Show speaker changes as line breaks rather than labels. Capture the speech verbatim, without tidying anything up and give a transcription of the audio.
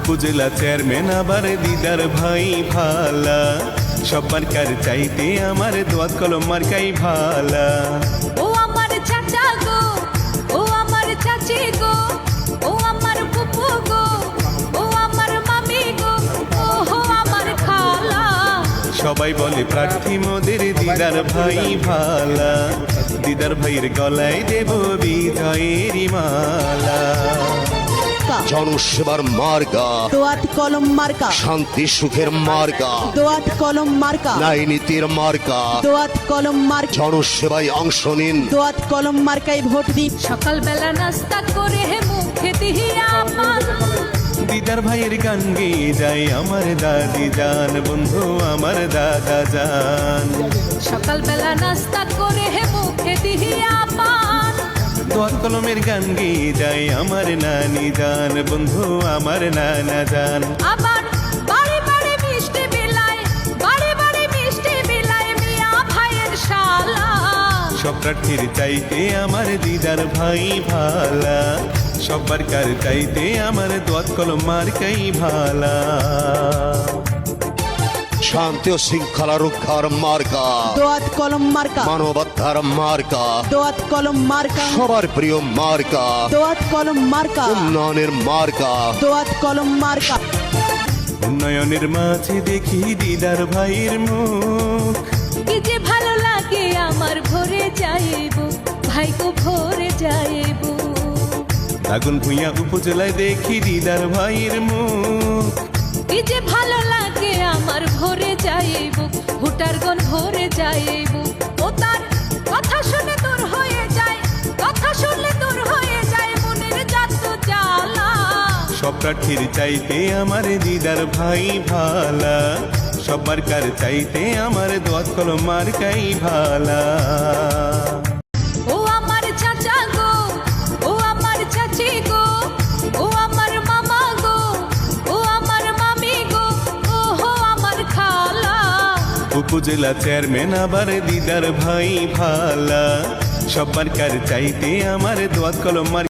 উপজেলা চেয়ারম্যান আবার দিদার ভাই ভালা, সবার কার চাইতে আমার দোয়াত কলম মার্কাই ভালা।
ও আমার চাচা গো, ও আমার চাচি গো, ও আমার ফুফু গো, ও আমার মামি গো, ও হো আমার খালা।
সবাই বলে প্রার্থী মোদের দিদার ভাই ভালা, দিদার ভাইয়ের গলায় দেব বিজয়ের মালা।
জনসেবার মার্কা
দোয়াত কলম মার্কা,
শান্তি সুখের মার্কা
দোয়াত কলম মার্কা,
ন্যায় নীতির মার্কা
দোয়াত কলম মার্কা,
জনসেবায় অংশ নিন।
দোয়াত কলম মার্কায় ভোট দিন।
সকালবেলা নাস্তা করে হে মুখে দিহিয়া পান,
দিদার ভাইয়ের গান গেয়ে যায় আমার দাদি জান, বন্ধু আমার দাদা জান।
সকালবেলা নাস্তা করে হে মুখে দিহিয়া পান,
দোয়াত কলমের গান গেয়ে যায় আমার নানি জান, বন্ধু আমার নানা জান।
আবার বাড়ি বাড়ি মিষ্টি বিলায়, বাড়ি বাড়ি মিষ্টি বিলায় মিয়া ভাইয়ের শালা।
সব প্রার্থীর চাইতে আমার দিদার ভাই ভালা, সবার কার চাইতে আমার দোয়াত কলম মার্কাই ভালা।
শান্তি ও শৃঙ্খলা রক্ষার মার্কা
দোয়াত কলম মার্কা,
মানবতার মার্কা
দোয়াত কলম মার্কা,
সবার প্রিয় মার্কা
দোয়াত কলম মার্কা,
উন্নয়নের মার্কা।
দোয়াত কলম মার্কা।
উন্নয়নের মাঝে দেখি দিদার ভাইয়ের মুখ,
কি যে ভালো লাগে আমার ভরে যাইব, ভাইগো ভরে যাইব।
আগুন ভুইয়া উপজেলায় দেখি দিদার ভাইয়ের মুখ,
কি যে ভালো লাগে আমার ভরে যাইব, ভোটার গণ ভরে যাইব। ও তার কথা শুনে দূর হয়ে যায়, কথা শুনলে দূর হয়ে যায় মনের যত জ্বালা।
সব প্রার্থীর চাইতে আমার দিদার ভাই ভালা, সবার কার চাইতে আমার দোয়াত কলম মার্কাই ভালা।
ও আমার চাচা গো, ও আমার চাচি গো, ও আমার মামা গো, ও আমার মামি গো, ও হো আমার খালা।
উপজেলা চেয়ারম্যান আবার দিদার ভাই ভালা, সবার কার চাইতে আমার দোয়াত কলম মার্কা।